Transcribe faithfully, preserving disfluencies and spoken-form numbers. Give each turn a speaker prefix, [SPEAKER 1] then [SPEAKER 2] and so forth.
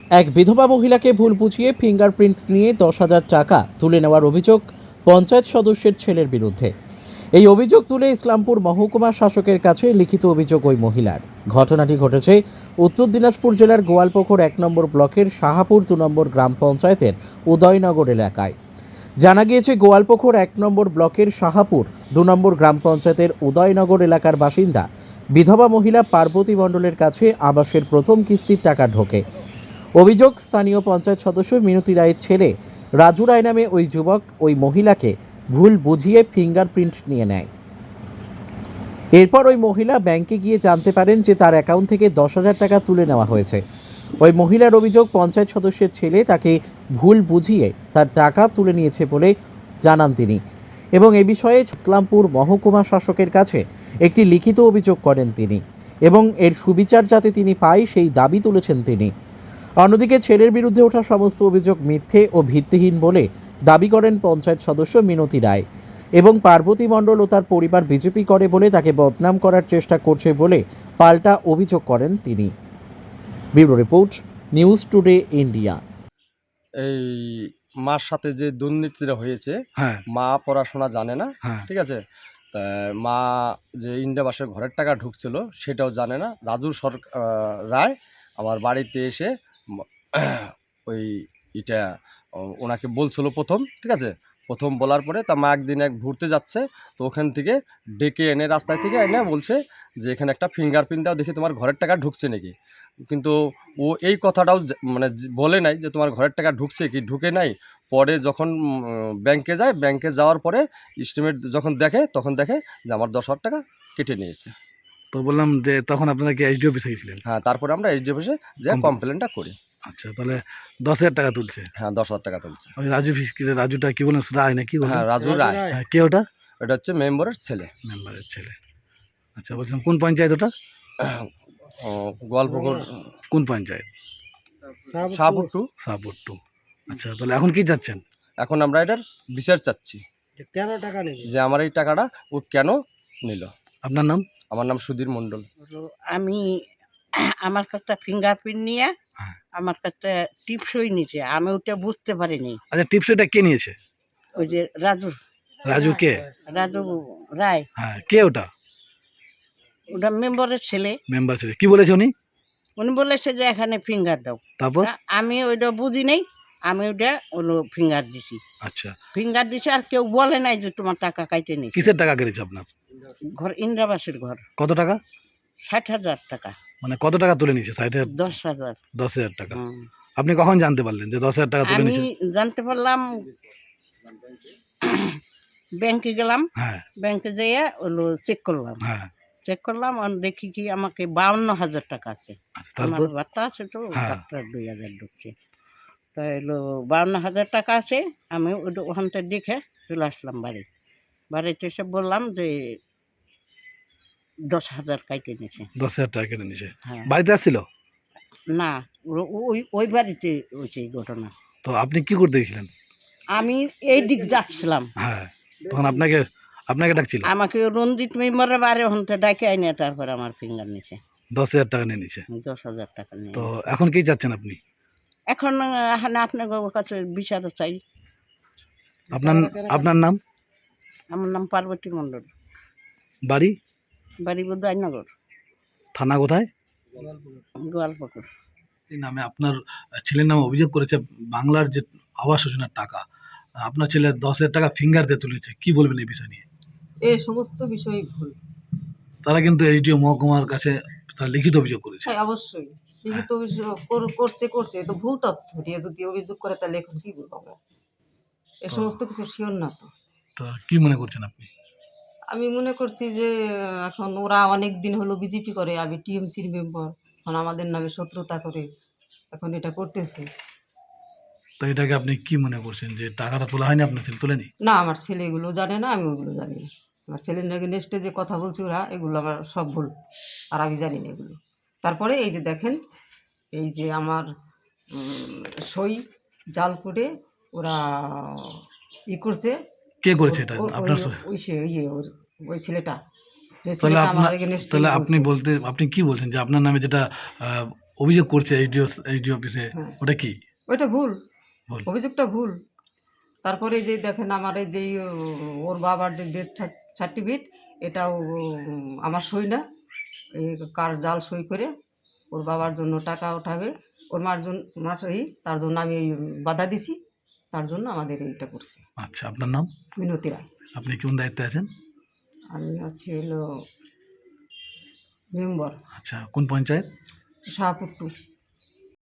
[SPEAKER 1] এক বিধবা মহিলাকে ভুল বুঝিয়ে ফিঙ্গারপ্রিন্ট নিয়ে দশ হাজার টাকা তুলে নেওয়ার অভিযোগ পঞ্চায়েত সদস্যের ছেলের বিরুদ্ধে। এই অভিযোগ তুলে ইসলামপুর মহকুমা শাসকের কাছে লিখিত অভিযোগ ওই মহিলার। ঘটনাটি ঘটেছে উত্তর দিনাজপুর জেলার গোয়ালপুকুর এক নম্বর ব্লকের শাহাপুর দু নম্বর গ্রাম পঞ্চায়েতের উদয়নগর এলাকায়। জানা গিয়েছে, গোয়ালপুকুর এক নম্বর ব্লকের শাহাপুর দু নম্বর গ্রাম পঞ্চায়েতের উদয়নগর এলাকার বাসিন্দা বিধবা মহিলা পার্বতী মণ্ডলের কাছে আবাসের প্রথম কিস্তির টাকা ঢোকে। অভিযোগ, স্থানীয় পঞ্চায়েত সদস্য মিনতি রায়ের ছেলে রাজু রায় নামে ওই যুবক ওই মহিলাকে ভুল বুঝিয়ে ফিঙ্গারপ্রিন্ট নিয়ে নেয়। এরপর ওই মহিলা ব্যাংকে গিয়ে জানতে পারেন যে তার অ্যাকাউন্ট থেকে দশ হাজার টাকা তুলে নেওয়া হয়েছে। ওই মহিলার অভিযোগ, পঞ্চায়েত সদস্যের ছেলে তাকে ভুল বুঝিয়ে তার টাকা তুলে নিয়েছে বলে জানান তিনি, এবং এ বিষয়ে ইসলামপুর মহকুমা শাসকের কাছে একটি লিখিত অভিযোগ করেন তিনি, এবং এর সুবিচার যাতে তিনি পায় সেই দাবি তুলেছেন তিনি। অন্যদিকে ছেলের বিরুদ্ধে ওঠা সমস্ত অভিযোগ মিথ্যে ও ভিত্তিহীন বলে দাবি করেন পঞ্চায়েত সদস্য মিনতি রায়, এবং পার্বতী মণ্ডল ও তার পরিবার বিজেপি করে বলে তাকে বদনাম করার চেষ্টা করছে বলে পাল্টা অভিযোগ করেন তিনি। Bureau report, news today India.
[SPEAKER 2] এই মার সাথে যে দুর্নীতিটা হয়েছে,
[SPEAKER 3] হ্যাঁ
[SPEAKER 2] মা পড়াশোনা জানে না,
[SPEAKER 3] হ্যাঁ
[SPEAKER 2] ঠিক আছে। তা মা যে ইন্ডিয়া বাসের ঘরের টাকা ঢুকছিল সেটাও জানে না। রাজু সর রায় আমার বাড়িতে এসে ম- ওই এটা ও- ওনাকে বলছিল প্রথম, ঠিক আছে। প্রথম বলার পরে তা মা একদিন এক ঘুরতে যাচ্ছে, তো ওখান থেকে ডেকে এনে রাস্তায় থেকে এনে বলছে যে এখানে একটা ফিঙ্গারপ্রিন্ট দাও, দেখি তোমার ঘরের টাকা ঢুকছে নাকি। কিন্তু ও এই কথাটাও যে- মানে যে- বলে নাই যে তোমার ঘরের টাকা ঢুকছে কি ঢুকে নাই। পরে যখন উম, ব্যাংকে যায়, ব্যাংকে যাওয়ার পরে এস্টিমেট যখন দেখে তখন দেখে যে আমার দশ হাজার টাকা কেটে নিয়েছে।
[SPEAKER 3] তো বললাম যে তখন আপনারা কি এইচডি অফিসে গেছিলেন?
[SPEAKER 2] হ্যাঁ, তারপরে আমরা এইচডি অফিসে যে
[SPEAKER 3] কমপ্লেন-
[SPEAKER 2] কমপ্লেনটা করি।
[SPEAKER 3] আচ্ছা, তাহলে দশ হাজার টাকা তুলছে।
[SPEAKER 2] হ্যাঁ, দশ হাজার টাকা তুলছে।
[SPEAKER 3] ওই রাজু ফিস- কি রে, রাজুটা কি বলেন, রায় নাকি বলেন?
[SPEAKER 2] হ্যাঁ, রাজু রায়।
[SPEAKER 3] হ্যাঁ, কে ওটা?
[SPEAKER 2] এটা হচ্ছে মেম্বারের ছেলে।
[SPEAKER 3] মেম্বারের ছেলে। আচ্ছা, বলছিলাম কোন পঞ্চায়েত ওটা?
[SPEAKER 2] ও, গোয়ালপুকুর
[SPEAKER 3] কোন পঞ্চায়েত?
[SPEAKER 2] শাহপুর টু।
[SPEAKER 3] সাপুর টু। আচ্ছা, তাহলে এখন কি চাচ্ছেন?
[SPEAKER 2] এখন আমরা এটার বিচার চাচ্ছি
[SPEAKER 4] কেন টাকা নেবে?
[SPEAKER 2] যে আমার এই টাকাটা ও কেন নিল।
[SPEAKER 3] আপনার নাম?
[SPEAKER 2] আমার নাম সুধীর মণ্ডল।
[SPEAKER 5] হলো আমি আমার কাছে ফিঙ্গারপ্রিন্ট নিয়ে
[SPEAKER 3] হ্যাঁ।
[SPEAKER 5] আমার কাছে টিপসই নিছে, আমি ওটা বুঝতে পারিনি।
[SPEAKER 3] আচ্ছা, টিপসটা কে নিয়েছে?
[SPEAKER 5] ওই যে রাজু
[SPEAKER 3] রাজু কে?
[SPEAKER 5] রাজু রায়,
[SPEAKER 3] হ্যাঁ, কে ওটা?
[SPEAKER 5] ওটা মেম্বারের ছেলে।
[SPEAKER 3] মেম্বার ছেলে। কি বলেছে উনি?
[SPEAKER 5] উনি বলেছে যে এখানে ফিঙ্গার দাও।
[SPEAKER 3] তারপর?
[SPEAKER 5] তা আমি ওইটা বুঝি নেই, আমি ওটা হলো ফিঙ্গার দিছি।
[SPEAKER 3] আচ্ছা,
[SPEAKER 5] ফিঙ্গার দিছি, আর কেউ বলে নাই যে তোমার টাকা কাইটে নিছে।
[SPEAKER 3] কিসের টাকা কেটেছে আপনার?
[SPEAKER 5] ঘর ইন্দ্রাবাসের ঘর,
[SPEAKER 3] কত টাকা?
[SPEAKER 5] ষাট হাজার টাকা।
[SPEAKER 3] মানে কত টাকা তুলে নিয়েছে? ষাট হাজার?
[SPEAKER 5] দশ হাজার।
[SPEAKER 3] দশ হাজার টাকা।
[SPEAKER 5] হুম।
[SPEAKER 3] আপনি কখন জানতে পারলেন যে দশ হাজার টাকা তুলে
[SPEAKER 5] আমি
[SPEAKER 3] নিয়েছে?
[SPEAKER 5] জানতে পারলাম ব্যাংকে গেলাম,
[SPEAKER 3] হ্যাঁ
[SPEAKER 5] ব্যাংকে যেয়ে হলো চেক করলাম,
[SPEAKER 3] হ্যাঁ।
[SPEAKER 5] চেক করলাম আর দেখি কি আমাকে বাউন্ন হাজার টাকা আছে।
[SPEAKER 3] আচ্ছা,
[SPEAKER 5] আমার
[SPEAKER 3] তারপর?
[SPEAKER 5] বার্তা আছে তো,
[SPEAKER 3] হ্যাঁ।
[SPEAKER 5] বার্তার দুই হাজার ঢুকছে। তো এলো বাউন্ন হাজার টাকা আছে। আমি ওটা ওখান থেকে দেখে চলে আসলাম বাড়ি। বাড়িতে এসে বললাম যে দশ হাজার কাইটে নিয়েছে।
[SPEAKER 3] দশ হাজার টাকা কেটে নিয়েছে।
[SPEAKER 5] হ্যাঁ,
[SPEAKER 3] বাড়িতে আসছিল?
[SPEAKER 5] না, ও- ওই ওই বাড়িতে হয়েছে এই ঘটনা।
[SPEAKER 3] তো আপনি কি করতে গেছিলেন?
[SPEAKER 5] আমি এই দিক যাচ্ছিলাম,
[SPEAKER 3] হ্যাঁ, তখন আপনাকে আপনাকে ডাকছিল?
[SPEAKER 5] আমাকে রঞ্জিত মেম্বারের বাড়ি ওখান থেকে ডাকে আইনে তারপর আমার ফিঙ্গার নিয়েছে।
[SPEAKER 3] দশ হাজার টাকা নিয়ে নিয়েছে।
[SPEAKER 5] দশ হাজার টাকা নিয়ে।
[SPEAKER 3] তো এখন কি চাচ্ছেন আপনি?
[SPEAKER 5] এখন এখানে আপনার কাছে বিচার চাই।
[SPEAKER 3] আপনার আপনার নাম?
[SPEAKER 5] আমার নাম পার্বতী মণ্ডল,
[SPEAKER 3] বাড়ি?
[SPEAKER 5] বাড়ি বোধনগর,
[SPEAKER 3] থানা কোথায়?
[SPEAKER 5] গোয়ালপুকুর।
[SPEAKER 3] এই নামে আপনার ছেলের নামে অভিযোগ করেছে বাংলার যে আবাস যোজনার টাকা, আপনার ছেলে দশ হাজার টাকা ফিঙ্গার দিয়ে তুলেছে। কি বলবেন এই বিষয় নিয়ে?
[SPEAKER 6] এই সমস্ত বিষয় ভুল।
[SPEAKER 3] তারা কিন্তু এইটিও মহকুমার কাছে তারা লিখিত অভিযোগ করেছে।
[SPEAKER 6] হ্যাঁ, অবশ্যই লিখিত অভিযোগ কর- করছে করছে তো ভুল তথ্য দিয়ে যদি অভিযোগ করে তাহলে এখন কি বলবো আমরা? এ সমস্ত কিছু শিওর না তো।
[SPEAKER 3] তো কি মনে করছেন আপনি?
[SPEAKER 6] আমি মনে করছি যে আহ, এখন ওরা অনেক দিন হলো বিজেপি করে, আমি টিএমসির মেম্বার, এখন আমাদের নামে শত্রুতা করে এখন এটা করতেছে।
[SPEAKER 3] তো এটাকে আপনি কি মনে করছেন যে টাকাটা তোলা হয়নি, আপনার ছেলে তোলেনি?
[SPEAKER 6] না, আমার ছেলে এগুলো জানে না, আমি ওগুলো জানি না। আমার ছেলের নাকি নেক্সটে যে কথা বলছে ওরা, এগুলো আমার সব ভুল, আর আমি জানি না এগুলো। তারপরে এই যে দেখেন, এই যে আমার উম, সই জাল করে ওরা ই করছে।
[SPEAKER 3] কে করেছে এটা?
[SPEAKER 6] ও- ওই-
[SPEAKER 3] আপনার সই?
[SPEAKER 6] ওই সে ইয়ে ওর- ওই ছেলেটা, যে
[SPEAKER 3] তাহলে
[SPEAKER 6] ছেলেটা আমার
[SPEAKER 3] আপনার
[SPEAKER 6] against এ
[SPEAKER 3] তাহলে
[SPEAKER 6] বলছে।
[SPEAKER 3] আপনি বলতে আপনি কি বলছেন যে আপনার নামে যেটা আহ, অভিযোগ করছে এইডিও এইডিও অফিসে,
[SPEAKER 6] হ্যাঁ।
[SPEAKER 3] ওটা কি
[SPEAKER 6] ওইটা ভুল,
[SPEAKER 3] ভুল?
[SPEAKER 6] অভিযোগটা ভুল। তারপরে যে দেখেন আমার এই যেই ও, ওর বাবার যে ডেথ সার্টিফিকেট, এটাও উম, আমার সই না, এই কার জাল সই করে ওর বাবার জন্য টাকা উঠাবে, ওর মার জন্য মার সই, তার জন্য আমি এই বাধা দিছি, তার জন্য আমাদের এইটা করছে।
[SPEAKER 3] আচ্ছা, আপনার নাম?
[SPEAKER 6] মিনতি রায়।
[SPEAKER 3] আপনি কোন দায়িত্বে আছেন?
[SPEAKER 6] আমি আছি হলো মেম্বার
[SPEAKER 3] আচ্ছা, কোন পঞ্চায়েত?
[SPEAKER 6] শাহপুর টু।